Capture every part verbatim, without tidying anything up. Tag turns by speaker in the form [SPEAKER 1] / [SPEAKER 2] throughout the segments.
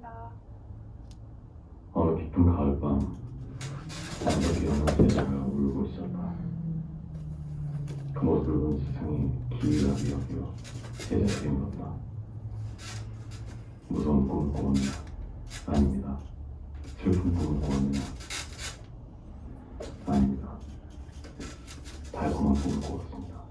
[SPEAKER 1] 감사합니다.
[SPEAKER 2] 어느 깊은 가을밤 남자기 어느 여자가 울고 있었다. 그 모습을 본 세상이 기이하게 여겨 제자들이 물었다. 무서운 꿈을 꾸었냐? 아닙니다. 슬픈 꿈을 꾸었냐? 아닙니다. 달콤한 꿈을 꾸었습니다.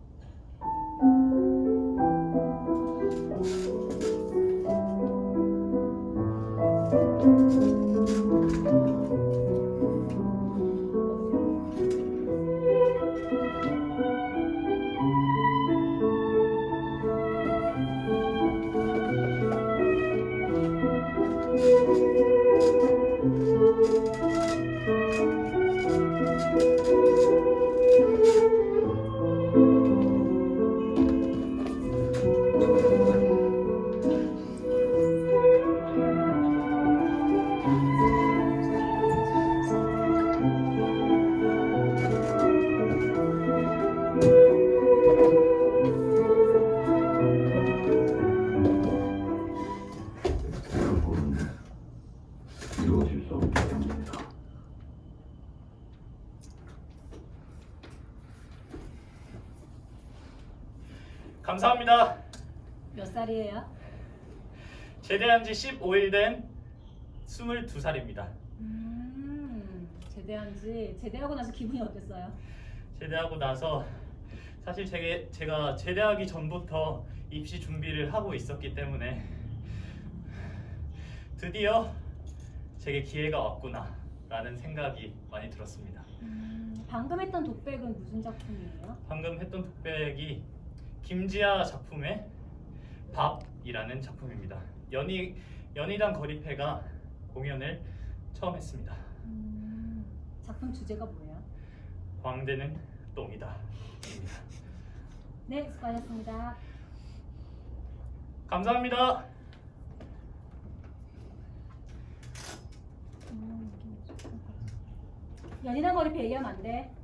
[SPEAKER 2] 그 꿈은 이루어질 수 없기 때문입니다.
[SPEAKER 3] 감사합니다.
[SPEAKER 4] 몇 살이에요?
[SPEAKER 3] 제대한 지 십오 일 된 스물두 살입니다.
[SPEAKER 4] 음, 제대한 지 제대하고 나서 기분이 어땠어요?
[SPEAKER 3] 제대하고 나서 사실 제게, 제가 제대하기 전부터 입시 준비를 하고 있었기 때문에 드디어 제게 기회가 왔구나 라는 생각이 많이 들었습니다.
[SPEAKER 4] 음, 방금 했던 독백은 무슨 작품이에요?
[SPEAKER 3] 방금 했던 독백이 김지아 작품의 밥이라는 작품입니다. 연희, 연희당 거리패가 공연을 처음 했습니다.
[SPEAKER 4] 음, 작품 주제가 뭐예요?
[SPEAKER 3] 광대는 똥이다 입니다.
[SPEAKER 4] 네, 수고하셨습니다.
[SPEAKER 3] 감사합니다.
[SPEAKER 4] 음, 연인한 거리 얘기하면 안 돼.